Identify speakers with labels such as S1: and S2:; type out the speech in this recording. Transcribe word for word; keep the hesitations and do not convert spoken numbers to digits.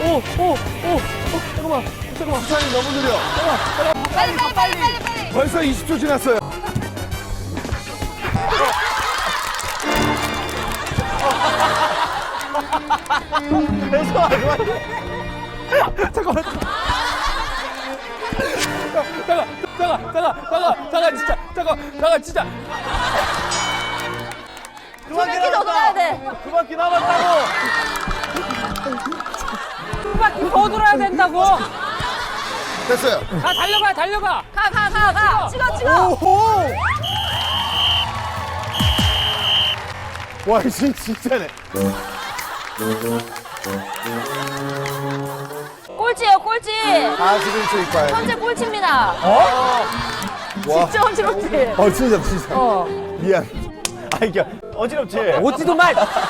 S1: 오, 오, 오, 어, 잠깐만, 잠깐만.
S2: 시간이 너무 느려.
S1: 잠깐만,
S3: 빨리 빨리 빨리 빨리 빨리.
S2: 벌써 이십 초 지났어요.
S1: 잠깐만, 잠깐만. 잠깐, 잠깐, 잠깐, 잠깐, 잠깐, 진짜, 잠깐, 잠깐, 진짜.
S3: 두 바퀴 더 돌아야 돼.
S1: 두 바퀴 남았다고.
S4: 두 바퀴 더 돌아야 된다고.
S2: 됐어요.
S4: 가 달려가 달려가.
S3: 가 가 가 가. 찍어 찍어.
S2: 오호! 와, 이 진- 진짜네.
S3: 꼴찌예요 꼴찌.
S2: 사십일 초 이과에.
S3: 현재 꼴찌입니다.
S2: 와.
S3: 진짜 어지럽지.
S2: 어, 진짜, 진짜.
S3: 어.
S2: 미안.
S1: 아, 이게 어지럽지?
S4: 오지도 말.